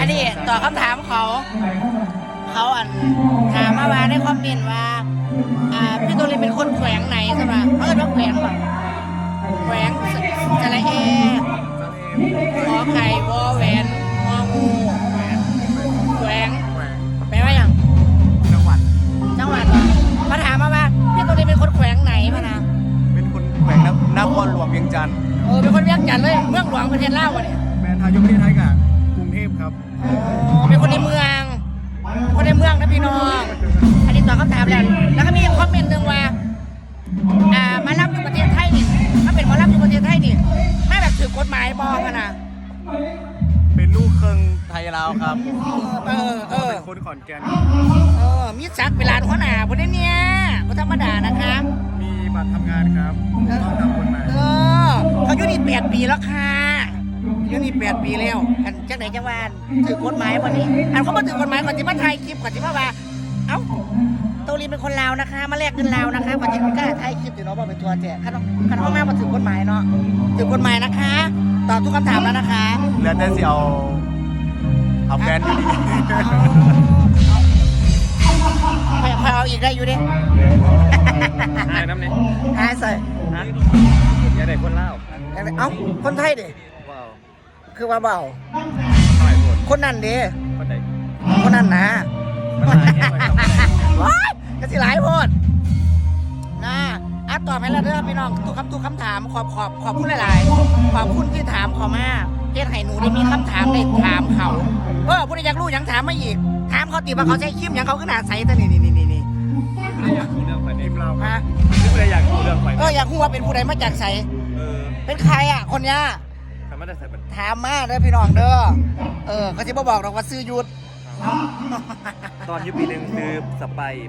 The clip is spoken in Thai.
อันนี้ตอบคำถามเขาถามมาในคอมเมนต์ว่าพี่ตัวเล็กเป็นคนแขวงไหนใช่ไหมเขาจะต้องแขวงแบบแขวงสระเอขอไข่วอแหวนงองูแขวงแปลว่าอย่างจังหวัดเหรอมาถามมาว่าพี่ตัวเล็กเป็นคนแขวงไหนมานะเป็นคนแขวงนครหลวงเวียงจันทร์เป็นคนเวียงจันทร์เลยเมืองหลวงประเทศลาววะเนี่ยแมนทายกประเทศไทยกับกรุงเทพครับเป็นคนในเมืองนะพี่น้องอันนี้ตอบคำถามแล้วก็มีคอมเมนต์หนึ่งว่ามารับอยู่ประเทศไทยนี่ถ้าเป็นมารับอยู่ประเทศไทยนี่ไม่แบบถือกฎหมายบอกกันนะเป็นลูกครึ่งไทยลาวครับเป็นคนขอนแก่นมีจักรเวลาหัวหน้าคนนี้เนี่ยก็ธรรมดานะคะมีบัตรทำงานครับต้องทำกฎหมายเขาอยู่นี่8 ปีแล้วค่ะอยู่นี่8 ปีแล้วอันจังไหนจังหวัดถือกฎหมายวันนี้อันเขามาถือกฎหมายก่อนที่มาถ่ายคลิปก่อนที่มาว่าเอ้าโตลีเป็นคนลาวนะคะมาแลกเงินลาวนะคะก่อนที่กล้าถ่ายคลิปอยู่เนาะบอกเป็นตัวแจกขันห้องมาถือกฎหมายเนาะถือกฎหมายนะคะตอบทุกคำถามแล้วนะคะเหลือแต่สิเอาแฟนดีไม่เอาอีกได้อยู่ดิหายน้ำเนี่ยหายใส่อย่าได้คนเล่าเอ้าคนไทยดิคือว่าเบาคนนั่นดิคนนั่นนะว้ายก็สิหลายโพดนะตอบให้เราเด้อพี่น้องทุกคำถามขอบคุณหลายๆขอบคุณที่ถามเขามาเฮ็ดให้หนูได้มีคำถามได้ถามเขาผู้ใดอยากรู้ยังถามมาอีกถามเขาติว่าเขาใช้คิมยังเขาขนาดใสแต่นี่อยากรู้เรื่องไฟในเราฮะผู้ใดอยากรู้เรื่องไฟอยากรู้ว่าเป็นผู้ใดมาจากใสเป็นใครคนเนี้ยถามมาเด้อพี่น้องเด้อเขาจะบอกหรอกว่าซื้อยุดตอนยุคปีหนึ่งคือสไป